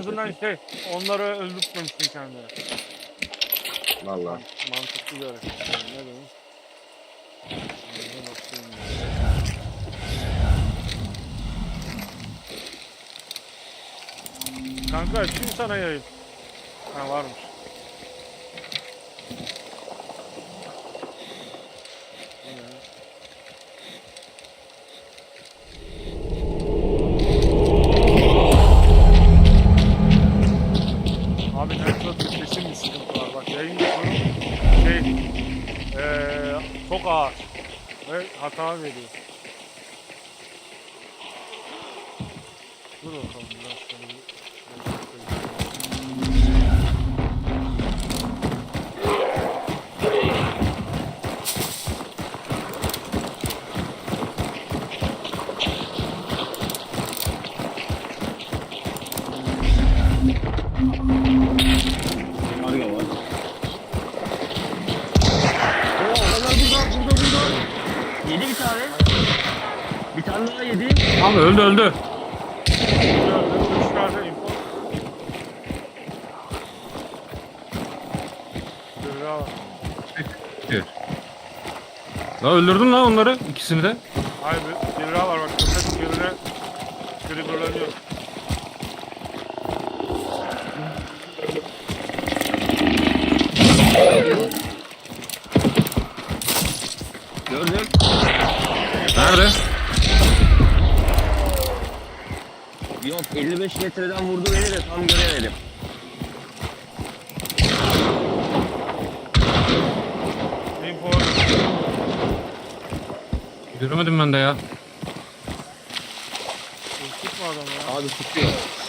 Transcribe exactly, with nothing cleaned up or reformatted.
azından şey, onları öldürtmemişsin kendine. Vallahi. Mantıklı bir hareket. Yani ne demek? Ne bakayım ya. Kanka açayım sana yayın. Ha varmış. Bu ne? Abi network kesin bir sıkıntı var. Bak yayın yapıyorum. Şey, ee, çok ağır. Ve hata veriyor. Dur bakalım biraz şöyle bir... Karga var. Oo, adamlar burada, burada, burada. Yedi bir tane. Bir tane daha yedi. Abi öldü öldü. Dışarıda info. Dur ya. Evet. La öldürdün lan onları ikisini de. Hayır bir, bir daha var bak. Köpek birine triggerlanıyor. Gördüm. Nerede? Yok, elli beş metreden vurdu beni de tam göremedim. Info. Göremedim ben de ya. Tutma adamı ya. Abi tutuyor.